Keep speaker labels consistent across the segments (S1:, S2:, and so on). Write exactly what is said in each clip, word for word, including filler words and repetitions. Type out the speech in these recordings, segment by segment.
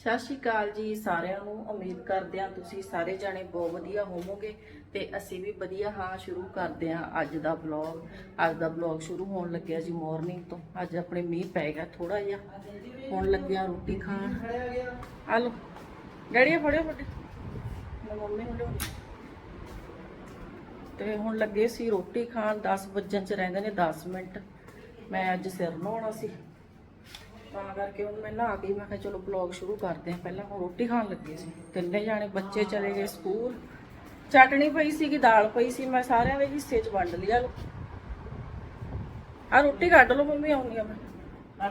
S1: ਸਤਿ ਸ਼੍ਰੀ ਅਕਾਲ ਜੀ ਸਾਰਿਆਂ ਨੂੰ। ਉਮੀਦ ਕਰਦੇ ਹਾਂ ਤੁਸੀਂ ਸਾਰੇ ਜਾਣੇ ਬਹੁਤ ਵਧੀਆ ਹੋਵੋਗੇ ਤੇ ਅਸੀਂ ਵੀ ਵਧੀਆ ਹਾਂ। ਸ਼ੁਰੂ ਕਰਦੇ ਹਾਂ ਅੱਜ ਦਾ ਵਲੌਗ। ਅੱਜ ਦਾ ਵਲੌਗ ਸ਼ੁਰੂ ਹੋਣ ਲੱਗਿਆ ਜੀ ਮਾਰਨਿੰਗ ਤੋਂ। ਅੱਜ ਆਪਣੇ ਮੀਂਹ ਪੈ ਗਿਆ ਥੋੜਾ ਜਿਹਾ, ਹੁਣ ਲੱਗਿਆ ਰੋਟੀ ਖਾਣ। ਆ ਲੋ ਡੈਡੀ ਫੜਿਓ ਵੱਡੇ ਮੰਮੀ ਨੂੰ ਲਿਆਓ। ਤੇ ਹੁਣ ਲੱਗੇ ਸੀ ਰੋਟੀ ਖਾਣ। ਦਸ ਵੱਜਣ ਚ ਰਹਿੰਦੇ ਨੇ ਦਸ ਮਿੰਟ। ਮੈਂ ਅੱਜ ਸਿਰ ਨਹਾਉਣਾ ਸੀ ਤਾਂ ਕਰਕੇ ਹੁਣ ਮੈਂ ਨਹਾ ਕੇ ਮੈਂ ਕਿਹਾ ਚਲੋ ਵਲੌਗ ਸ਼ੁਰੂ ਕਰਦੇ ਹਾਂ। ਪਹਿਲਾਂ ਹੁਣ ਰੋਟੀ ਖਾਣ ਲੱਗੇ ਸੀ ਤਿੰਨੇ ਜਾਣੇ। ਬੱਚੇ ਚਲੇ ਗਏ ਸਕੂਲ। ਚਟਣੀ ਪਈ ਸੀਗੀ, ਦਾਲ ਪਈ ਸੀ, ਮੈਂ ਸਾਰਿਆਂ ਦੇ ਹਿੱਸੇ 'ਚ ਵੰਡ ਲਿਆ। ਲੋ ਆ ਰੋਟੀ ਕੱਢ ਲਓ ਮੰਮੀ, ਆਉਂਦੀ ਆ ਮੈਂ।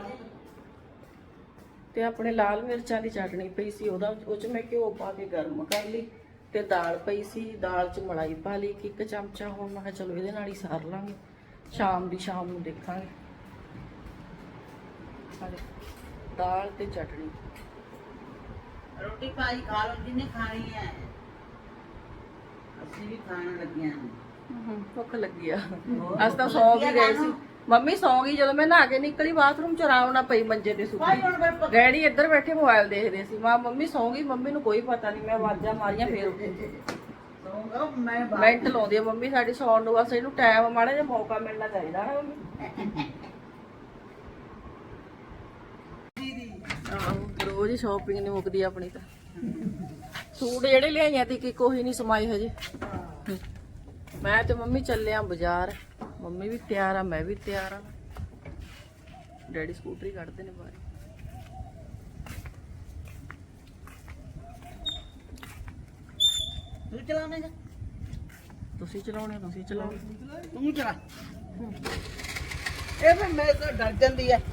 S1: ਤੇ ਆਪਣੇ ਲਾਲ ਮਿਰਚਾਂ ਦੀ ਚਟਣੀ ਪਈ ਸੀ, ਉਹਦਾ ਉਹ 'ਚ ਮੈਂ ਘਿਓ ਪਾ ਕੇ ਗਰਮ ਕਰ ਲਈ। ਤੇ ਦਾਲ ਪਈ ਸੀ, ਦਾਲ 'ਚ ਮਲਾਈ ਪਾ ਲਈ ਇੱਕ ਚਮਚਾ। ਹੁਣ ਮੈਂ ਕਿਹਾ ਚਲੋ ਇਹਦੇ ਨਾਲ ਹੀ ਸਾਰ ਲਾਂਗੇ, ਸ਼ਾਮ ਦੀ ਸ਼ਾਮ ਨੂੰ ਦੇਖਾਂਗੇ। ਦਾਲ ਤੇ ਚਟਣੀ।
S2: ਰੋਟੀ ਪਾਈ ਖਾ ਲਓ ਜਿੰਨੇ ਖਾਣੀ ਹੈ। ਅਸੀਂ ਵੀ ਖਾਣ ਲੱਗਿਆ ਹਾਂ।
S1: ਭੁੱਖ ਲੱਗੀ ਆ। ਅੱਜ ਤਾਂ ਸੌਂ ਵੀ ਗਏ ਸੀ। ਮੰਮੀ ਸੌਂ ਗਈ ਜਦੋਂ ਮੈਂ ਨਹਾ ਕੇ ਨਿਕਲੀ ਬਾਥਰੂਮ ਚ, ਆਰਾਮ ਨਾਲ ਪਈ ਮੰਜੇ ਤੇ ਸੁੱਤੀ। ਡੈਡੀ ਇੱਧਰ ਬੈਠੇ ਮੋਬਾਈਲ ਦੇਖਦੇ ਸੀ। ਮਾਂ ਮੰਮੀ ਸੌਂ ਗਈ, ਮੰਮੀ ਨੂੰ ਕੋਈ ਪਤਾ ਨਹੀਂ। ਮੈਂ ਆਵਾਜ਼ਾਂ ਮਾਰੀਆਂ ਫੇਰ ਉੱਠੀ।
S2: ਮੈਂ
S1: ਮਿੰਟ ਲਾਉਂਦੀ ਆ ਮੰਮੀ ਸਾਡੀ ਸੌਣ ਨੂੰ। ਬਸ ਇਹਨੂੰ ਟਾਈਮ ਮਾੜਾ ਜਿਹਾ ਮੌਕਾ ਮਿਲਣਾ ਚਾਹੀਦਾ ਨਾ ਮੰਮੀ। ਆਹੋ ਰੋਜ਼ ਸ਼ਾਪਿੰਗ ਨਹੀਂ ਮੁੱਕਦੀ ਆਪਣੀ ਤਾਂ। ਸੂਟ ਜਿਹੜੇ ਲਿਆਈਆਂ ਤੇ ਕਿ ਕੋਈ ਨਹੀਂ ਸਮਾਈ ਹਜੇ। ਮੈਂ ਤੇ ਮੰਮੀ ਚੱਲੇ ਆ ਬਾਜ਼ਾਰ। ਮੰਮੀ ਵੀ ਤਿਆਰ ਆ, ਮੈਂ ਵੀ ਤਿਆਰ ਆ। ਡੈਡੀ ਸਕੂਟਰੀ ਕੱਢਦੇ ਨੇ ਬਾਹਰ।
S2: ਤੂੰ ਚਲਾਵੇਂਗਾ?
S1: ਤੁਸੀਂ ਚਲਾਉਣੇ, ਤੁਸੀਂ ਚਲਾਓ।
S2: ਤੂੰ ਚਲਾ। ਇਹ ਫਿਰ ਮੈਂ ਤਾਂ ਡਰ ਜਾਂਦੀ ਆ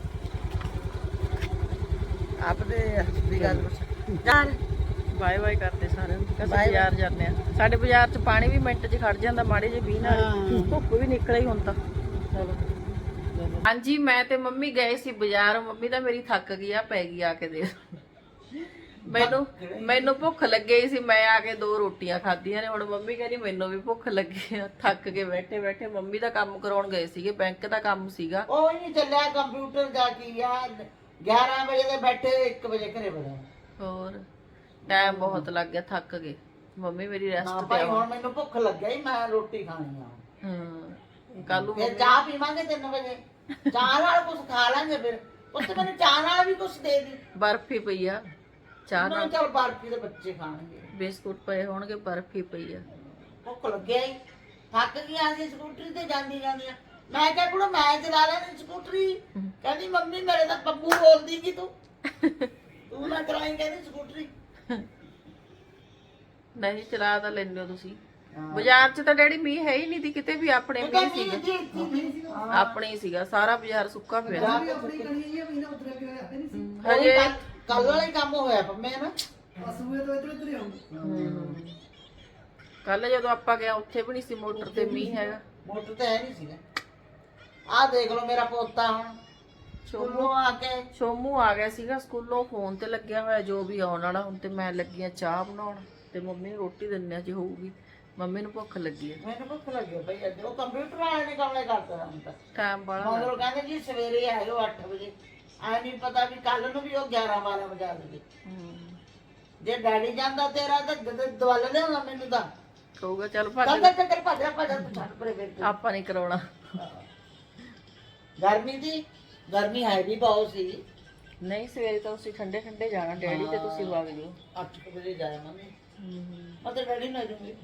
S2: ਆਪਦੇ ਦੀ ਗੱਲ ਜਾਨ।
S1: ਬਾਏ ਬਾਏ ਕਰਦੇ ਸਾਰਿਆਂ ਨੂੰ। ਅਸੀਂ ਬਾਜ਼ਾਰ ਜਾਂਦੇ ਆ। ਸਾਡੇ ਬਾਜ਼ਾਰ 'ਚ ਪਾਣੀ ਵੀ ਮਿੰਟ 'ਚ ਖੜ ਜਾਂਦਾ ਮਾੜੇ ਜਿਹੇ ਮੀਂਹ ਨਾਲ। ਧੁੱਪ ਵੀ ਨਿਕਲ ਹੀ ਹੁਣ ਤਾਂ। ਚਲੋ ਹਾਂਜੀ, ਮੈਂ ਤੇ ਮੰਮੀ ਗਏ ਸੀ ਬਾਜ਼ਾਰ। ਮੰਮੀ ਤਾਂ ਮੇਰੀ ਥੱਕ ਗਈ ਆ, ਪੈ ਗਈ ਆ ਕੇ ਦੇ। ਮੈਨੂੰ ਮੈਨੂੰ ਭੁੱਖ ਲੱਗੀ ਸੀ, ਮੈਂ ਆ ਕੇ ਦੋ ਰੋਟੀਆਂ ਖਾਧੀਆਂ ਨੇ। ਹੁਣ ਮੰਮੀ ਕਹਿੰਦੀ ਮੈਨੂੰ ਵੀ ਭੁੱਖ ਲੱਗੀ ਆ। ਥੱਕ ਕੇ ਬੈਠੇ ਬੈਠੇ। ਮੰਮੀ ਦਾ ਕੰਮ ਕਰਾਉਣ ਗਏ ਸੀਗੇ, ਬੈਂਕ ਦਾ ਕੰਮ ਸੀਗਾ।
S2: ਉਹ ਨਹੀਂ ਚੱਲਿਆ ਕੰਪਿਊਟਰ ਜਾ ਕੇ ਯਾਰ। ਗਿਆਰਾਂ ਵਜੇ ਦੇ ਬੈਠੇ ਇੱਕ ਵਜੇ ਘਰੇ ਵੜਿਆ।
S1: ਹੋਰ ਟਾਈਮ ਬਹੁਤ ਲੱਗ ਗਿਆ, ਥੱਕ ਗਏ। ਮੰਮੀ ਮੇਰੀ
S2: ਨਾ
S1: ਰੈਸਟ ਤੇ
S2: ਭਾਈ
S1: ਆ।
S2: ਹੁਣ ਮੈਨੂੰ ਭੁੱਖ ਲੱਗਈ, ਮੈਂ ਰੋਟੀ ਖਾਣੀ ਆ।
S1: ਹਾਂ ਕੱਲ ਨੂੰ
S2: ਫਿਰ ਚਾਹ ਪੀਵਾਂਗੇ ਤਿੰਨ ਵਜੇ। ਚਾਹ ਨਾਲ ਕੁਝ ਖਾ ਲਾਂਗੇ। ਫਿਰ ਉੱਥੇ ਮੈਨੂੰ ਚਾਹ ਨਾਲ ਵੀ ਕੁਝ ਦੇ ਦੀ।
S1: ਬਰਫੀ ਪਈ ਆ ਚਾਹ
S2: ਮੈਂ
S1: ਨਾਲ।
S2: ਚਲ ਬਰਫੀ ਦੇ ਬੱਚੇ ਖਾਣਗੇ।
S1: ਬਿਸਕੁਟ ਪਏ ਹੋਣਗੇ, ਬਰਫੀ ਪਈ ਆ।
S2: ਭੁੱਖ ਲੱਗਿਆ ਹੀ ਥੱਕ ਗਿਆ ਸੀ ਸਕੂਟਰੀ ਤੇ ਜਾਂਦੀ ਜਾਂਦੀ। ਮੈਂ ਕਿਹਾ ਕੁੜਾ ਮੈਂ ਚਲਾ ਲੈਣੀ ਸਕੂਟਰੀ। ਕਹਿੰਦੀ ਮੰਮੀ ਮੇਰੇ ਤਾਂ ਬੱਬੂ ਬੋਲਦੀ ਕਿ ਤੂੰ ਤੂੰ ਨਾ ਚਲਾਈ ਕਹਿੰਦੀ ਸਕੂਟਰੀ।
S1: ਨਹੀਂ ਚਲਾ ਤਾਂ ਲੈਂਦੇ ਹੋ ਤੁਸੀਂ। ਬਾਜ਼ਾਰ 'ਚ ਤਾਂ ਡੈਡੀ ਮੀਂਹ ਹੈ ਹੀ ਨਹੀਂ ਦੀ ਕਿਤੇ ਵੀ। ਆਪਣੇ ਮੀਂਹ ਸੀਗਾ, ਆਪਣੇ ਹੀ ਸੀਗਾ ਸਾਰਾ ਬਾਜ਼ਾਰ ਸੁੱਕਾ ਪਿਆ। ਹਜੇ
S2: ਕੱਲ ਵਾਲਾ ਹੀ ਕੰਮ ਹੋਇਆ ਪੰਮੇ ਨਾ।
S1: ਕੱਲ ਜਦੋਂ ਆਪਾਂ ਗਏ ਉੱਥੇ ਵੀ ਨਹੀਂ ਸੀ ਮੋਟਰ ਤੇ ਮੀਂਹ ਹੈਗਾ।
S2: ਮੋਟਰ ਤੇ ਹੈ ਨਹੀਂ ਸੀਗਾ। ਆਹ ਦੇਖ ਲਓ ਮੇਰਾ ਪੋਤਾ ਹੁਣ ਸਕੂਲੋਂ ਆ ਕੇ।
S1: ਸ਼ੋਮੂ ਆ ਗਿਆ ਸੀਗਾ ਸਕੂਲੋਂ, ਫੋਨ ਤੇ ਲੱਗਿਆ ਹੋਇਆ ਜੋ ਵੀ ਆਉਣ ਵਾਲਾ। ਹੁਣ ਤੇ ਮੈਂ ਲੱਗੀ ਆ ਚਾਹ ਬਣਾਉਣ ਤੇ ਮੰਮੀ ਨੂੰ ਰੋਟੀ ਦਿੰਨੇ ਆ ਜੇ ਹੋਊਗੀ। ਮੰਮੀ ਨੂੰ ਭੁੱਖ ਲੱਗੀ ਆ।
S2: ਮੈਨੂੰ ਭੁੱਖ ਲੱਗੀ ਬਈ। ਅੱਜ ਉਹ ਕੰਪਿਊਟਰ ਵਾਲੇ ਨੇ ਕੰਮ ਕਰਤਾ ਹੁਣ ਤਾਂ
S1: ਟਾਈਮ ਬਾਲਾ
S2: ਮਗਰੋਂ ਕਹਿੰਦੇ ਜੀ ਸਵੇਰੇ ਆਇਓ ਅੱਠ ਵਜੇ। ਐ ਨਹੀਂ ਪਤਾ ਵੀ ਕੱਲ ਨੂੰ ਵੀ ਉਹ ਗਿਆਰਾਂ ਬਾਰਾਂ ਵਜਾ ਦੇਵੇ। ਜੇ ਡੈਡੀ ਜਾਂਦਾ ਤੇਰਾ ਤਾਂ ਦਵਲ ਲਿਆਉਣਾ ਮੈਨੂੰ ਤਾਂ
S1: ਕਹੂਗਾ ਚੱਲ ਭੱਜ
S2: ਕਹਿੰਦਾ ਚੱਲ ਭੱਜ ਭੱਜ ਤੂੰ ਛੱਡ ਪਰੇ ਫਿਰ।
S1: ਆਪਾਂ ਨਹੀਂ ਕਰਾਉਣਾ।
S2: ਗਰਮੀ ਦੀ ਗਰਮੀ ਹੈ ਵੀ ਬਹੁਤ ਸੀ।
S1: ਨਹੀਂ ਸਵੇਰੇ ਤਾਂ ਤੁਸੀਂ ਠੰਡੇ ਠੰਡੇ ਜਾਣਾ ਡੈਡੀ ਤੇ ਤੁਸੀਂ ਵਗ ਜਿਓ।
S2: ਅੱਠ ਵਜੇ ਜਾਇਆ ਮੰਮੀ। ਮੈਂ ਤਾਂ ਡੈਡੀ ਨਾਲ ਜੂਗੀ।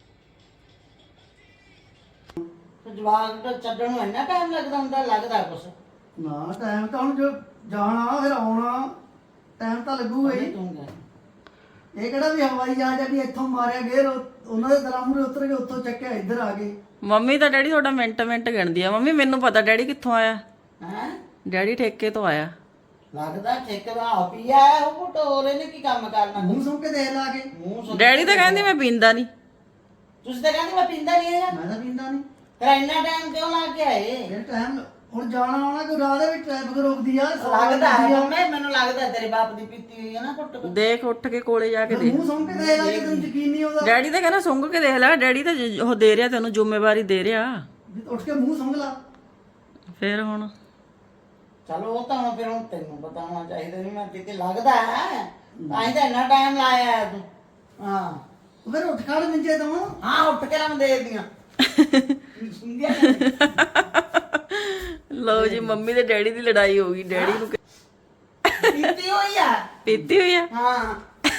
S2: ਜਵਾਕ ਤਾਂ ਛੱਡਣ ਨੂੰ ਇੰਨਾ ਟਾਈਮ ਲੱਗਦਾ ਹੁੰਦਾ? ਲੱਗਦਾ ਕੁਛ
S3: ਨਾ ਟਾਈਮ ਤਾਂ ਹੁਣ ਜੋ ਜਾਣਾ ਫਿਰ ਆਉਣਾ ਟਾਈਮ ਤਾਂ ਲੱਗੂਗਾ ਹੀ।
S2: ਤੂੰ ਕਹਿ
S3: ਇਹ ਕਿਹੜਾ ਵੀ ਹਵਾਈ ਜਹਾਜ਼ ਆ ਵੀ ਇੱਥੋਂ ਮਾਰਿਆ ਗੇਰ ਉਹਨਾਂ ਦੇ ਦਰਾਮੂਰੇ ਉਤਰ ਕੇ ਉੱਥੋਂ ਚੱਕਿਆ ਇੱਧਰ ਆ ਗਏ।
S1: ਮੰਮੀ ਤਾਂ ਡੈਡੀ ਤੁਹਾਡਾ ਮਿੰਟ ਮਿੰਟ ਗਿਣਦੀ ਆ। ਮੰਮੀ ਮੈਨੂੰ ਪਤਾ ਡੈਡੀ ਕਿੱਥੋਂ ਆਇਆ।
S2: ਹੈ
S1: ਡੈਡੀ ਠੇਕੇ ਤੋਂ ਆਇਆ।
S2: ਲੱਗਦਾ ਠੇਕੇਦਾਰ ਆਪ ਹੀ ਆਇਆ ਉਹ ਟੋਰੇ ਨੇ ਕੀ ਕੰਮ ਕਰਨਾ।
S3: ਮੂੰਹ ਸੁਣ ਕੇ ਦੇਖ ਲਾ ਕੇ।
S2: ਮੂੰਹ ਸੁਣ
S1: ਡੈਡੀ ਤਾਂ ਕਹਿੰਦੀ ਮੈਂ ਪੀਂਦਾ ਨਹੀਂ।
S2: ਤੁਸੀਂ ਤਾਂ ਕਹਿੰਦੇ ਮੈਂ ਪੀਂਦਾ ਨਹੀਂ ਆ।
S3: ਮੈਂ ਤਾਂ ਪੀਂਦਾ ਨਹੀਂ।
S2: ਫਿਰ ਇੰਨਾ ਟਾਈਮ ਕਿਉਂ ਲਾ ਕੇ ਆਏ?
S3: ਇਹ ਟਾਈਮ ਹੁਣ ਜਾਣਾ ਆਉਣਾ ਕੋਈ ਰਾਹ ਦੇ ਵਿੱਚ ਟ੍ਰੈਫਿਕ ਰੋਕਦੀ ਆ।
S2: ਲੱਗਦਾ ਹੈ ਮੰਮੀ ਮੈਨੂੰ ਲੱਗਦਾ ਤੇਰੇ ਬਾਪ ਦੀ ਪੀਤੀ ਹੋਈ ਹੈ ਨਾ ਘੁੱਟ।
S1: ਦੇਖ ਉੱਠ ਕੇ ਕੋਲੇ ਜਾ ਕੇ ਦੇਖ।
S3: ਮੂੰਹ ਸੁਣ ਕੇ ਦੇਖ ਲਾ ਕੇ ਤੈਨੂੰ ਯਕੀਨ ਨਹੀਂ ਆਉਂਦਾ।
S1: ਡੈਡੀ ਤਾਂ ਕਹਿੰਦਾ ਸੁੰਘ ਕੇ ਦੇਖ ਲੈ। ਡੈਡੀ ਤਾਂ ਜ- ਉਹ ਦੇ ਰਿਹਾ ਤੈਨੂੰ ਜ਼ਿੰਮੇਵਾਰੀ ਦੇ ਰਿਹਾ।
S3: ਉੱਠ ਕੇ ਮੂੰਹ ਸੁੰਘ ਲਾ।
S1: ਫਿਰ ਹੁਣ
S2: ਚਲੋ ਉਹ ਤਾਂ ਹੁਣ ਫਿਰ ਹੁਣ ਤੈਨੂੰ ਬਤਾਉਣਾ ਚਾਹੀਦਾ ਨਹੀਂ। ਮੈਂ ਕਿਤੇ ਲੱਗਦਾ ਹੈ ਤਾਂ ਹੀ ਤਾਂ ਇੰਨਾ ਟਾਈਮ ਲਾਇਆ ਹੈ ਤੂੰ ਹਾਂ
S3: ਉਹ ਫਿਰ ਉੱਠ ਖੜ ਮੰਜੇ ਤੋਂ
S2: ਹਾਂ ਉੱਠ ਕੇ ਰਮ ਦੇ ਦੀਆਂ ਸੁਣਿਆ
S1: ਲਓ ਜੀ ਮੰਮੀ ਤੇ ਡੈਡੀ ਦੀ ਲੜਾਈ ਹੋ ਗਈ ਡੈਡੀ ਨੂੰ
S2: ਪੀਤੀ ਹੋਈ ਆ
S1: ਪੀਤੀ ਹੋਈ ਆ
S2: ਹਾਂ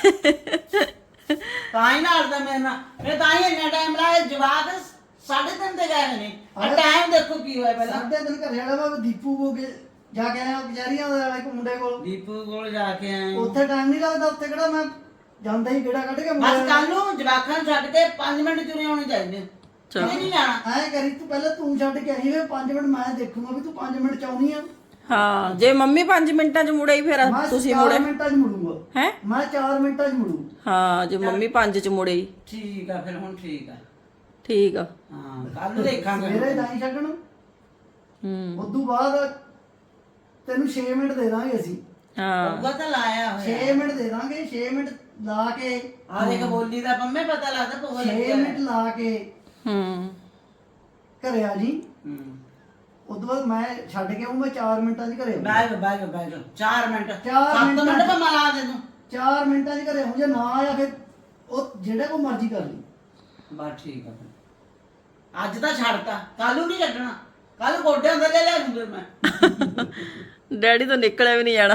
S2: ਤਾਂ ਹੀ ਨਾਲ ਦਾ ਮੈਂ ਨਾ ਮੈਂ ਤਾਂ ਹੀ ਇੰਨਾ ਟਾਈਮ ਲਾਇਆ ਜਵਾਕ ਸਾਢੇ ਤਿੰਨ ਤੇ ਗਏ ਨੇ ਆ ਟਾਈਮ ਦੇਖੋ ਕੀ ਹੋਇਆ ਪਹਿਲਾਂ
S3: ਸਾਡੇ ਦਿਨ ਘਰੇ ਵਾਲਾ ਵਾ ਦੀਪੂ ਕੋ ਕੇ ਜਾ ਕੇ ਆਇਆ ਕਚਹਿਰੀਆਂ ਦਾ ਇੱਕ ਮੁੰਡੇ ਕੋਲ
S2: ਦੀਪੂ ਕੋਲ ਜਾ ਕੇ ਆਏ
S3: ਉੱਥੇ ਟਾਈਮ ਨਹੀਂ ਲੱਗਦਾ ਉੱਥੇ ਕਿਹੜਾ ਮੈਂ ਜਾਂਦਾ ਹੀ ਕਿਹੜਾ ਕੱਢ ਕੇ
S2: ਬਸ ਕੱਲ ਨੂੰ ਜਵਾਕਾਂ ਨੂੰ ਛੱਡ ਕੇ ਪੰਜ ਮਿੰਟ ਚੁਰੇ ਆਉਣੇ ਚਾਹੀਦੇ
S1: ਚਲੋ।
S2: ਇਹ ਨਹੀਂ ਜਾਣਾ
S3: ਐ ਕਰੀ ਤੂੰ ਪਹਿਲਾਂ ਤੂੰ ਛੱਡ ਕੇ ਆਈ ਵੇ ਪੰਜ ਮਿੰਟ ਮੈਂ ਦੇਖੂੰਗਾ ਵੀ ਤੂੰ ਪੰਜ ਮਿੰਟ ਚ ਆਉਣੀ ਆ
S1: ਹਾਂ ਜੇ ਮੰਮੀ ਪੰਜ ਮਿੰਟਾਂ 'ਚ ਮੁੜੇ ਹੀ ਫਿਰ
S3: ਮੈਂ
S1: ਤੁਸੀਂ
S3: ਚਾਰ
S1: ਮੁੜੇ
S3: ਮਿੰਟਾਂ ਚ ਮੁੜੂੰਗਾ
S1: ਹੈ
S3: ਮੈਂ ਚਾਰ ਮਿੰਟਾਂ ਚ ਮੁੜੂ
S1: ਹਾਂ ਜੇ ਮੰਮੀ ਪੰਜ 'ਚ ਮੁੜੇ ਹੀ
S2: ਠੀਕ ਆ ਫਿਰ ਹੁਣ ਠੀਕ ਆ
S1: ਠੀਕ ਆ
S2: ਹਾਂ ਕੱਲ ਨੂੰ ਦੇਖਾਂਗੇ
S3: ਮੇਰੇ ਨਹੀਂ ਛੱਡਣ
S1: ਹੂੰ
S3: ਉਦੋਂ ਬਾਅਦ ਤੈਨੂੰ ਛੇ ਮਿੰਟ ਦੇ ਦਾਂਗੇ ਅਸੀਂ
S1: ਹਾਂ
S2: ਉਹਦਾ ਤਾਂ ਲਾਇਆ ਹੋਇਆ
S3: ਛੇ ਮਿੰਟ ਦੇ ਦਾਂਗੇ ਛੇ ਮਿੰਟ ਲਾ ਕੇ
S2: ਆ ਦੇਖ ਬੋਲੀ ਦਾ ਪੰਮੇ ਪਤਾ ਲੱਗਦਾ ਪੋਹ
S3: ਛੇ
S2: ਲੱਗਿਆ
S3: ਮਿੰਟ ਲਾ ਕੇ
S1: ਹੂੰ
S3: ਘਰੇ ਆ ਜੀ
S2: ਹੂੰ
S3: ਉਦੋਂ ਬਾਅਦ ਮੈਂ ਛੱਡ ਕੇ ਆਊਂ ਮੈਂ ਚਾਰ ਮਿੰਟਾਂ 'ਚ ਘਰੇ ਆਊਂ
S2: ਬੈਗ ਬੈਗ ਬੈਗ ਚਾਰ ਮਿੰਟ
S3: ਚਾਰ
S2: ਸੱਤ
S3: ਮਿੰਟਾਂ
S2: ਮਿੰਟ ਪਾ ਲਾ ਦੇ ਤੂੰ
S3: ਚਾਰ ਮਿੰਟਾਂ 'ਚ ਘਰੇ ਆਊਂ ਜੇ ਨਾ ਆਇਆ ਫਿਰ ਉਹ ਜਿਹੜਾ ਕੋ ਮਰਜ਼ੀ ਕਰ ਲਈ
S2: ਬਸ ਠੀਕ ਆ ਫਿਰ ਅੱਜ ਤਾਂ ਛੱਡਤਾ ਕੱਲ ਨੂੰ ਨਹੀਂ ਛੱਡਣਾ ਕੱਲ ਗੋਡਿਆਂ ਦੇ ਲੈ ਲੈ ਜੂਗੇ ਮੈਂ
S1: ਡੈਡੀ ਤੋਂ ਨਿਕਲਿਆ ਵੀ ਨਹੀਂ ਜਾਣਾ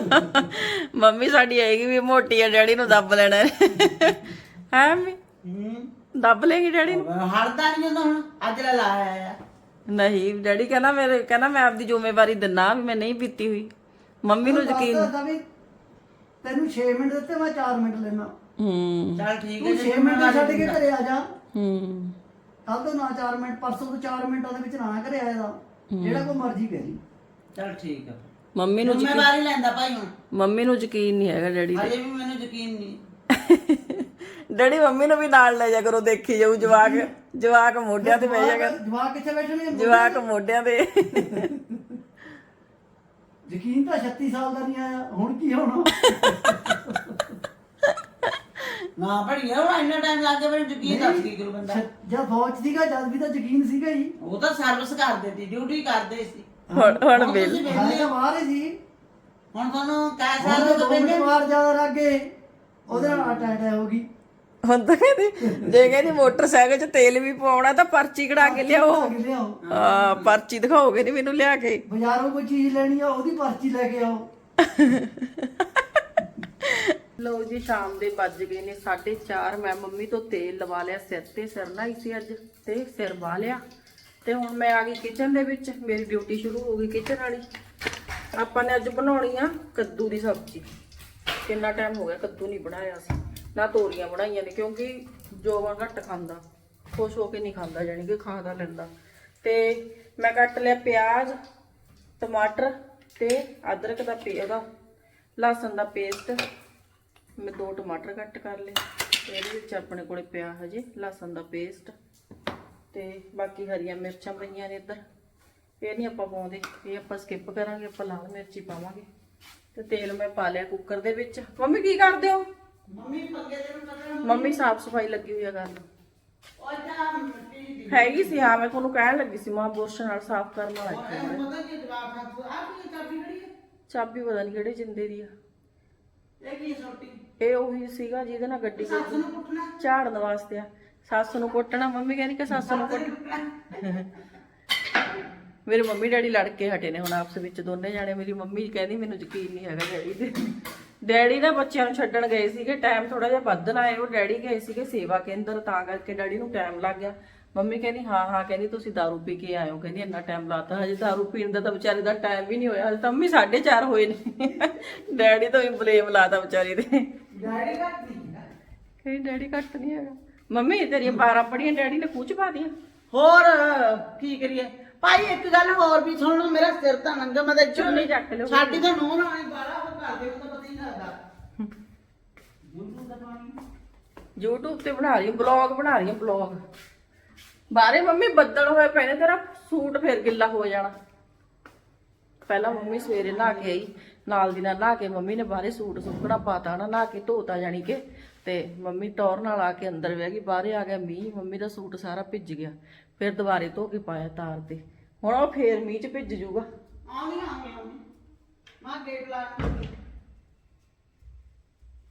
S1: ਮੰਮੀ ਸਾਡੀ ਆਏਗੀ ਵੀ ਮੋਟੀ ਆ ਡੈਡੀ ਨੂੰ ਦੱਬ ਲੈਣਾ ਹੈ ਮੰਮੀ
S2: ਹੂੰ
S1: ਦੱਬ ਲੇਗੀ ਡੈਡੀ ਨੂੰ
S2: ਹੜਦਾ ਨਹੀਂ ਹੁੰਦਾ ਹੁਣ ਅੱਜ ਲੈ ਲਾਇਆ ਆ
S1: ਨਹੀਂ ਡੈਡੀ ਕਹਿੰਦਾ ਮੇਰੇ ਕਹਿੰਦਾ ਮੈਂ ਆਪਦੀ ਜ਼ਿੰਮੇਵਾਰੀ ਦਿੰਨਾ ਵੀ ਮੈਂ ਨਹੀਂ ਪੀਤੀ ਹੋਈ ਮੰਮੀ ਨੂੰ ਯਕੀਨ
S3: ਦੱਸਦਾ ਵੀ ਤੈਨੂੰ ਛੇ ਮਿੰਟ ਦਿੱਤੇ ਮੈਂ ਚਾਰ ਮਿੰਟ ਲੈਣਾ
S1: ਹੂੰ
S2: ਚੱਲ ਠੀਕ
S3: ਤੂੰ
S2: ਹੈ
S3: ਛੇ ਮਿੰਟ ਛੱਡ ਕੇ ਘਰੇ ਆ ਜਾ
S1: ਹੂੰ
S3: ਕੱਲ ਤੋਂ ਨਾ ਚਾਰ ਮਿੰਟ ਪਰਸੋਂ ਤੋਂ ਚਾਰ ਮਿੰਟਾਂ ਦੇ ਵਿੱਚ ਨਾ ਘਰੇ ਆਇਆ ਦਾ ਜਿਹੜਾ ਕੋ ਮਰਜ਼ੀ ਕਰੀ
S2: ਚੱਲ ਠੀਕ ਆ
S1: ਮੰਮੀ ਨੂੰ
S2: ਜ਼ਿੰਮੇਵਾਰੀ ਲੈਂਦਾ ਭਾਈ ਹੁਣ
S1: ਮੰਮੀ ਨੂੰ ਯਕੀਨ ਨਹੀਂ ਹੈਗਾ ਡੈਡੀ
S2: ਅਜੇ ਵੀ ਮੈਨੂੰ ਯਕੀਨ ਨਹੀਂ
S1: ਡੈਡੀ ਮੰਮੀ ਨੂੰ ਵੀ ਨਾਲ ਲੈ ਜਾ ਕਰੋ ਦੇਖੀ ਜਾਊ ਜਵਾਕ ਜਵਾਕ ਮੋਢਿਆਂ ਤੇ ਬਹਿ ਜਾਗਾ
S3: ਜਵਾਕ ਕਿੱਥੇ ਬੈਠਣੇ ਆ?
S1: ਜਵਾਕ ਮੋਢਿਆਂ ਤੇ
S3: ਯਕੀਨ ਤਾਂ ਛੱਤੀ ਸਾਲ ਦਾ ਨਹੀਂ ਆਇਆ ਹੁਣ ਕੀ ਹੋਣਾ
S2: ਨਾ ਭੜੀਆ ਹੁਣ ਇੰਨਾ ਟਾਈਮ ਲੱਗ ਗਿਆ ਮੈਨੂੰ ਯਕੀਨ ਦੱਸ ਕੀ ਕਰੂ ਬੰਦਾ
S3: ਜਦ ਫੌਜ ਸੀਗਾ ਜਦ ਵੀ ਤਾਂ ਯਕੀਨ ਸੀਗਾ ਹੀ
S2: ਉਹ ਤਾਂ ਸਰਵਿਸ ਕਰਦੇ ਸੀ ਡਿਊਟੀ ਕਰਦੇ ਸੀ
S1: ਹੁਣ ਹੁਣ ਬਿੱਲ
S2: ਤੁਸੀਂ
S3: ਹਾਂ
S2: ਵਿਹਲੇ
S3: ਤਾਂ
S2: ਹੋ।
S3: ਬਾਹਰ ਹੀ ਸੀ
S2: ਹੁਣ ਤੁਹਾਨੂੰ ਕਹਿ
S3: ਹੁਣ
S2: ਸਕਦੇ
S3: ਤਾਂ
S2: ਹੋ
S3: ਦੋ
S2: ਕਿ
S3: ਮਿੰਟ ਬਾਹਰ ਜ਼ਿਆਦਾ ਲੱਗ ਗਏ ਉਹਦੇ ਨਾਲ ਅਟੈਕ ਹੋ ਗਈ
S1: ਹੁਣ ਤਾਂ ਕਹਿੰਦੀ ਜੇ ਕਹਿੰਦੀ ਮੋਟਰਸਾਈਕਲ 'ਚ ਤੇਲ ਵੀ ਪਾਉਣਾ ਤਾਂ ਪਰਚੀ ਕਢਾ ਕੇ ਲਿਆਓ
S3: ਆ ਕੇ ਲਿਆਓ
S1: ਆ ਪਰਚੀ ਦਿਖਾਓਗੇ ਨਹੀਂ ਮੈਨੂੰ ਲਿਆ ਕੇ
S3: ਬਾਜ਼ਾਰੋਂ ਕੋਈ ਚੀਜ਼ ਲੈਣੀ ਆ ਉਹਦੀ ਪਰਚੀ ਲੈ ਕੇ ਆਓ
S1: ਲਓ ਜੀ ਸ਼ਾਮ ਦੇ ਵੱਜ ਗਏ ਨੇ ਸਾਢੇ ਚਾਰ ਮੈਂ ਮੰਮੀ ਤੋਂ ਤੇਲ ਲਵਾ ਲਿਆ ਸਿਰ ਤੇ ਸਿਰ ਨਹਾਈ ਸੀ ਅੱਜ ਤੇ ਸਿਰ ਵਾਹ ਲਿਆ ਤੇ ਹੁਣ ਮੈਂ ਆ ਗਈ ਕਿਚਨ ਦੇ ਵਿੱਚ ਮੇਰੀ ਡਿਊਟੀ ਸ਼ੁਰੂ ਹੋ ਗਈ ਕਿਚਨ ਵਾਲੀ ਆਪਾਂ ਨੇ ਅੱਜ ਬਣਾਉਣੀ ਆ ਕੱਦੂ ਦੀ ਸਬਜ਼ੀ ਕਿੰਨਾ ਟਾਈਮ ਹੋ ਗਿਆ ਕੱਦੂ ਨਹੀਂ ਬਣਾਇਆ ਸੀ ਨਾ ਤੋਰੀਆਂ ਬਣਾਈਆਂ ਨੇ ਕਿਉਂਕਿ ਜੋਵਾ ਘੱਟ ਖਾਂਦਾ ਖੁਸ਼ ਹੋ ਕੇ ਨਹੀਂ ਖਾਂਦਾ ਜਾਨੀ ਕਿ ਖਾਦਾ ਲੈਂਦਾ ਤੇ ਮੈਂ ਕੱਟ ਲਿਆ ਪਿਆਜ਼ ਟਮਾਟਰ ਤੇ ਅਦਰਕ ਦਾ ਪੇ ਉਹਦਾ ਲਸਣ ਦਾ ਪੇਸਟ ਮੈਂ ਦੋ ਟਮਾਟਰ ਕੱਟ ਕਰ ਲਏ ਇਹਦੇ ਵਿੱਚ ਆਪਣੇ ਕੋਲੇ ਪਿਆ ਹਜੇ ਲਸਣ ਦਾ ਪੇਸਟ ਤੇ ਬਾਕੀ ਹਰੀਆਂ ਮਿਰਚਾਂ ਪਈਆਂ ਨੇ ਇੱਧਰ ਇਹ ਨਹੀਂ ਆਪਾਂ ਪਾਉਂਦੇ ਇਹ ਆਪਾਂ ਸਕਿਪ ਕਰਾਂਗੇ ਆਪਾਂ ਲਾਲ ਮਿਰਚੀ ਪਾਵਾਂਗੇ ਤੇ ਤੇਲ ਮੈਂ ਪਾ ਲਿਆ ਕੁੱਕਰ ਦੇ ਵਿੱਚ ਮੰਮੀ ਕੀ ਕਰਦੇ ਹੋ
S2: ਮੰਮੀ ਪੱਗੇ ਦੇ ਨੂੰ ਪਤਾ
S1: ਮੰਮੀ ਸਾਫ ਸਫਾਈ ਲੱਗੀ ਹੋਈ ਆ ਕਰਨ
S2: ਉਹ ਤਾਂ ਮਿੱਟੀ ਦੀ
S1: ਹੈਗੀ ਸੀ ਹਾਂ ਮੈਂ ਤੁਹਾਨੂੰ ਕਹਿਣ ਲੱਗੀ ਸੀ ਮਾਂ ਬੁਰਸ਼ ਨਾਲ ਸਾਫ ਕਰਨ ਵਾਲਾ ਇੱਥੇ
S2: ਉਹਨੂੰ ਪਤਾ ਕੀ ਜਵਾਬ ਆ ਤੂੰ ਆ ਕੀ ਚਾਬੀ ਖੜੀ ਹੈ
S1: ਚਾਬੀ ਪਤਾ ਨਹੀਂ ਕਿਹੜੇ ਜਿੰਦੇ ਦੀ ਆ
S2: ਇਹ ਕੀ ਛੋਟੀ
S1: ਇਹ ਉਹੀ ਸੀਗਾ ਜਿਹਦੇ ਨਾਲ ਗੱਡੀ
S2: ਸੱਸ ਨੂੰ ਕੁੱਟਣਾ
S1: ਝਾੜਨ ਵਾਸਤੇ ਆ ਸੱਸ ਨੂੰ ਕੁੱਟਣਾ ਮੰਮੀ ਕਹਿੰਦੀ ਕਿ ਸੱਸ ਨੂੰ ਕੁੱਟ ਮੇਰੇ ਮੰਮੀ ਡੈਡੀ ਲੜ ਕੇ ਹਟੇ ਨੇ ਹੁਣ ਆਪਸ ਵਿੱਚ ਦੋਨੇ ਜਾਣੇ ਮੇਰੀ ਮੰਮੀ ਕਹਿੰਦੀ ਮੈਨੂੰ ਯਕੀਨ ਨਹੀਂ ਹੈਗਾ ਡੈਡੀ ਤੇ ਡੈਡੀ ਨਾ ਬੱਚਿਆਂ ਨੂੰ ਛੱਡਣ ਗਏ ਸੀਗੇ ਟਾਈਮ ਥੋੜਾ ਜਿਹਾ ਵੱਧ ਲਾਏ ਉਹ ਡੈਡੀ ਗਏ ਸੀਗੇ ਸੇਵਾ ਕੇਂਦਰ ਤਾਂ ਕਰਕੇ ਡੈਡੀ ਨੂੰ ਟਾਈਮ ਲੱਗ ਗਿਆ ਮੰਮੀ ਕਹਿੰਦੀ ਹਾਂ ਹਾਂ ਕਹਿੰਦੀ ਤੁਸੀਂ ਦਾਰੂ ਪੀ ਕੇ ਆਇਓ ਕਹਿੰਦੀ ਇੰਨਾ ਟਾਈਮ ਲਾਤਾ ਹਜੇ ਦਾਰੂ ਪੀਣ ਦਾ ਤਾਂ ਵਿਚਾਰੇ ਦਾ ਟਾਈਮ ਵੀ ਨਹੀਂ ਹੋਇਆ ਹਜੇ ਤਾਂ ਮੰਮੀ ਸਾਢੇ ਚਾਰ ਹੋਏ ਨੇ ਡੈਡੀ ਤੋਂ ਵੀ ਬਲੇਮ ਲਾਤਾ ਵਿਚਾਰੀ ਦੇ
S2: ਡੈਡੀ ਘੱਟ ਨਹੀਂ
S1: ਕਹੀ ਡੈਡੀ ਘੱਟ ਨਹੀਂ ਹੈਗਾ ਮੰਮੀ ਤੇਰੀਆਂ ਬਾਰਾਂ ਪੜੀਆਂ ਡੈਡੀ ਨੇ ਖੂਚ ਪਾ ਦੀਆਂ
S2: ਹੋਰ ਕੀ ਕਰੀਏ ਭਾਈ ਇੱਕ ਗੱਲ ਹੋਰ ਵੀ ਸੁਣ ਲਓ ਮੇਰਾ ਸਿਰ ਤਾਂ ਨੰਗਾ ਮੈਂ ਤਾਂ
S1: ਚੁੰਨੀ ਚੱਕ ਲਿਓ
S2: ਸਾਡੀ ਤਾਂ ਨੂੰਹ ਰਾਣੀ ਬਾਲਾ ਉਹ ਕਰਦੇ ਉਹ ਤਾਂ ਪਤਾ ਹੀ ਨਹੀਂ ਲੱਗਦਾ YouTube ਦਾ ਪਾਣੀ
S1: YouTube ਤੇ ਬਣਾ ਰਹੀ ਹਾਂ ਬਲੌਗ ਬਣਾ ਰਹੀ ਹਾਂ ਬਲੌਗ ਬਾਰੇ ਮੰਮੀ ਬੱਦਲ ਹੋਏ ਪਏ ਨੇ ਤੇਰਾ ਸੂਟ ਫੇਰ ਗਿੱਲਾ ਹੋ ਜਾਣਾ ਪਹਿਲਾਂ ਮੰਮੀ ਸਵੇਰੇ ਨਹਾ ਕੇ ਆਈ ਨਾਲ ਦੀ ਨਾਲ ਨਹਾ ਕੇ ਮੰਮੀ ਨੇ ਬਾਹਰੇ ਸੂਟ ਸੁੱਕਣਾ ਪਾਤਾ ਨਾ ਨਹਾ ਕੇ ਧੋਤਾ ਜਾਣੀ ਕਿ ਤੇ ਮੰਮੀ ਟੌਰ ਨਾਲ ਆ ਕੇ ਅੰਦਰ ਬਹਿ ਗਈ ਬਾਹਰੇ ਆ ਗਿਆ ਮੀਂਹ ਮੰਮੀ ਦਾ ਸੂਟ ਸਾਰਾ ਭਿੱਜ ਗਿਆ ਫਿਰ ਦੁਬਾਰੇ ਧੋ ਕੇ ਪਾਇਆ ਤਾਰ ਤੇ ਹੁਣ ਉਹ ਫੇਰ ਮੀਂਹ ਚ ਭਿੱਜ ਜੂਗਾ
S2: ਆਉਣੀ ਆਉਣੀ ਆਉਣੀ ਮਾਂ ਗੇਟ ਲਾ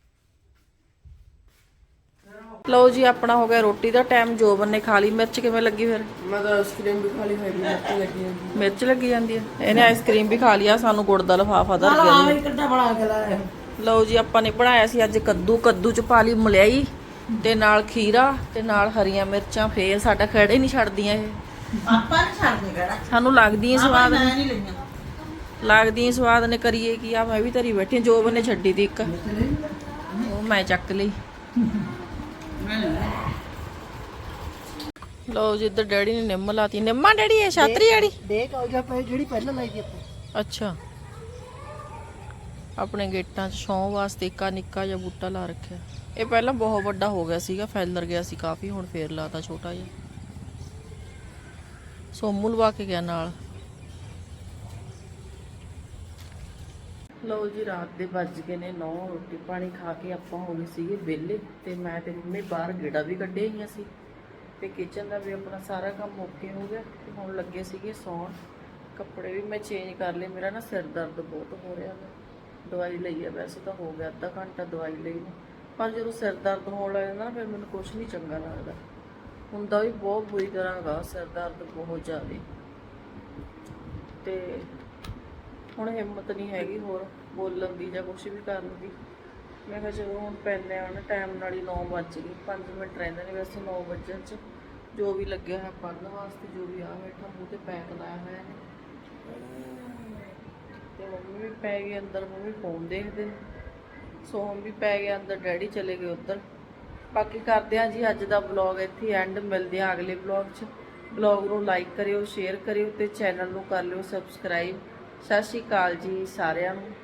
S1: ਲਓ ਜੀ ਆਪਣਾ ਹੋ ਗਿਆ ਰੋਟੀ ਦਾ ਟਾਈਮ। ਜੋਬਨ ਨੇ ਖਾ ਲਈ। ਮਿਰਚ ਕਿਵੇਂ ਲੱਗੀ ਫਿਰ?
S4: ਮੈਂ ਤਾਂ ਆਈਸਕ੍ਰੀਮ ਵੀ ਖਾ ਲਈ ਹੋਈ ਮਿਰਚ ਲੱਗੀ ਹੁੰਦੀ।
S1: ਮਿਰਚ ਲੱਗੀ ਜਾਂਦੀ ਹੈ। ਇਹਨੇ ਆਈਸਕ੍ਰੀਮ ਵੀ ਖਾ ਲਿਆ। ਸਾਨੂੰ ਗੁੜ ਦਾ ਲਿਫਾਫਾ ਧਰ
S2: ਨਾਲ
S1: ਗਿਆ
S2: ਆਵੇਂ
S1: ਜੀ।
S2: ਕਿੱਦਾਂ ਬਣਾ ਕੇ ਲਾਇਆ
S1: ਲਓ ਜੀ ਆਪਾਂ ਨੇ ਬਣਾਇਆ ਸੀ ਅੱਜ ਕੱਦੂ। ਕੱਦੂ ਚ ਪਾ ਲਈ ਮਲਾਈ ਤੇ ਨਾਲ ਖੀਰਾ ਤੇ ਨਾਲ ਹਰੀਆਂ ਮਿਰਚਾਂ। ਫੇਰ ਸਾਡਾ ਖੜੇ ਨਹੀਂ ਛੱਡਦੀਆਂ ਇਹ।
S2: ਆਪਾਂ ਨਹੀਂ ਛੱਡਦੇ ਕਿਹੜਾ
S1: ਸਾਨੂੰ ਲੱਗਦੀਆਂ ਸਵਾਦ
S2: ਮੈਂ
S1: ਨੇ
S2: ਨਹੀਂ ਲਈਆਂ
S1: ਲੱਗਦੀਆਂ ਸਵਾਦ ਨੇ। ਕਰੀਏ ਕੀ ਆ। ਮੈਂ ਵੀ ਧਰੀ ਬੈਠੀ। ਜੋਬਨ ਨੇ ਛੱਡੀ ਤੀ ਇੱਕ, ਉਹ ਮੈਂ ਚੱਕ ਲਈ। ਲਓ ਜੀ ਇੱਧਰ ਡੈਡੀ ਨੇ ਨਿੰਮ ਲਾਤੀ। ਨਿੰਮਾ ਡੈਡੀ ਇਹ ਛਾਤਰੀ ਡੈਡੀ
S3: ਦੇਖ ਆ ਗਿਆ ਪਏ ਜਿਹੜੀ ਪਹਿਲਾਂ ਲਾਈ ਦੀ ਆਪਾਂ।
S1: ਅੱਛਾ ਆਪਣੇ ਗੇਟਾਂ 'ਚ ਛਾਂ ਵਾਸਤੇ ਇੱਕ ਨਿੱਕਾ ਜਿਹਾ ਬੂਟਾ ਲਾ ਰੱਖਿਆ। ਇਹ ਪਹਿਲਾਂ ਬਹੁਤ ਵੱਡਾ ਹੋ ਗਿਆ ਸੀਗਾ, ਫੈਲਰ ਗਿਆ ਸੀ ਕਾਫੀ। ਹੁਣ ਫੇਰ ਲਾਤਾ ਛੋਟਾ ਜਿਹਾ। ਸੋਮੂ ਲਵਾ ਕੇ ਗਿਆ ਨਾਲ। ਲਓ ਜੀ ਰਾਤ ਦੇ ਵੱਜ ਗਏ ਨੇ ਨੌ। ਰੋਟੀ ਪਾਣੀ ਖਾ ਕੇ ਆਪਾਂ ਹੋ ਗਏ ਸੀਗੇ ਵਿਹਲੇ ਤੇ ਮੈਂ ਤੇ ਮੰਮੀ ਬਾਹਰ ਗੇੜਾ ਵੀ ਕੱਢੇ ਹੋਈਆਂ ਸੀ ਤੇ ਕਿਚਨ ਦਾ ਵੀ ਆਪਣਾ ਸਾਰਾ ਕੰਮ ਓਕੇ ਹੋ ਗਿਆ ਤੇ ਹੁਣ ਲੱਗੇ ਸੀਗੇ ਸੌਣ। ਕੱਪੜੇ ਵੀ ਮੈਂ ਚੇਂਜ ਕਰ ਲਏ। ਮੇਰਾ ਨਾ ਸਿਰ ਦਰਦ ਬਹੁਤ ਹੋ ਰਿਹਾ ਹੈ। ਦਵਾਈ ਲਈ ਹੈ, ਵੈਸੇ ਤਾਂ ਹੋ ਗਿਆ ਅੱਧਾ ਘੰਟਾ ਦਵਾਈ ਲਈ ਨੂੰ, ਪਰ ਜਦੋਂ ਸਿਰ ਦਰਦ ਹੋਣ ਲੱਗ ਜਾਂਦਾ ਨਾ ਫਿਰ ਮੈਨੂੰ ਕੁਝ ਨਹੀਂ ਚੰਗਾ ਲੱਗਦਾ। ਹੁੰਦਾ ਵੀ ਬਹੁਤ ਬੁਰੀ ਤਰ੍ਹਾਂ ਹੈਗਾ ਸਿਰ ਦਰਦ ਬਹੁਤ ਜ਼ਿਆਦਾ। ਤੇ ਹੁਣ ਹਿੰਮਤ ਨਹੀਂ ਹੈਗੀ ਹੋਰ ਬੋਲਣ ਦੀ ਜਾਂ ਕੁਛ ਵੀ ਕਰਨ ਦੀ। ਮੈਂ ਕਿਹਾ ਚਲੋ ਹੁਣ ਪੈਂਦੇ ਆ ਨਾ ਟਾਈਮ ਨਾਲ ਹੀ। ਨੌ ਵੱਜ ਗਏ, ਪੰਜ ਮਿੰਟ ਰਹਿੰਦੇ ਨੇ ਵੈਸੇ ਨੌ ਵੱਜਣ 'ਚ। ਜੋ ਵੀ ਲੱਗਿਆ ਹੋਇਆ ਪੜ੍ਹਨ ਵਾਸਤੇ, ਜੋ ਵੀ ਆ ਬੈਠਾ ਮੂੰਹ ਤੇ ਪੈਕ ਲਾਇਆ ਹੋਇਆ ਹੈ। ਤੇ ਮੰਮੀ ਵੀ ਪੈ ਗਈ ਅੰਦਰ। ਮੰਮੀ ਫੋਨ ਦੇਖਦੇ ਨੇ। ਸੋਹਮ ਵੀ ਪੈ ਗਿਆ ਅੰਦਰ। ਡੈਡੀ ਚਲੇ ਗਏ ਉੱਧਰ। ਬਾਕੀ ਕਰਦੇ ਹਾਂ ਜੀ ਅੱਜ ਦਾ ਵਲੌਗ ਇੱਥੇ ਐਂਡ। ਮਿਲਦੇ ਆ ਅਗਲੇ ਵਲੌਗ 'ਚ। ਵਲੌਗ ਨੂੰ ਲਾਈਕ ਕਰਿਓ, ਸ਼ੇਅਰ ਕਰਿਓ ਤੇ ਚੈਨਲ ਨੂੰ ਕਰ ਲਿਓ ਸਬਸਕ੍ਰਾਈਬ। ਸਤਿ ਸ਼੍ਰੀ ਅਕਾਲ ਜੀ ਸਾਰਿਆਂ ਨੂੰ।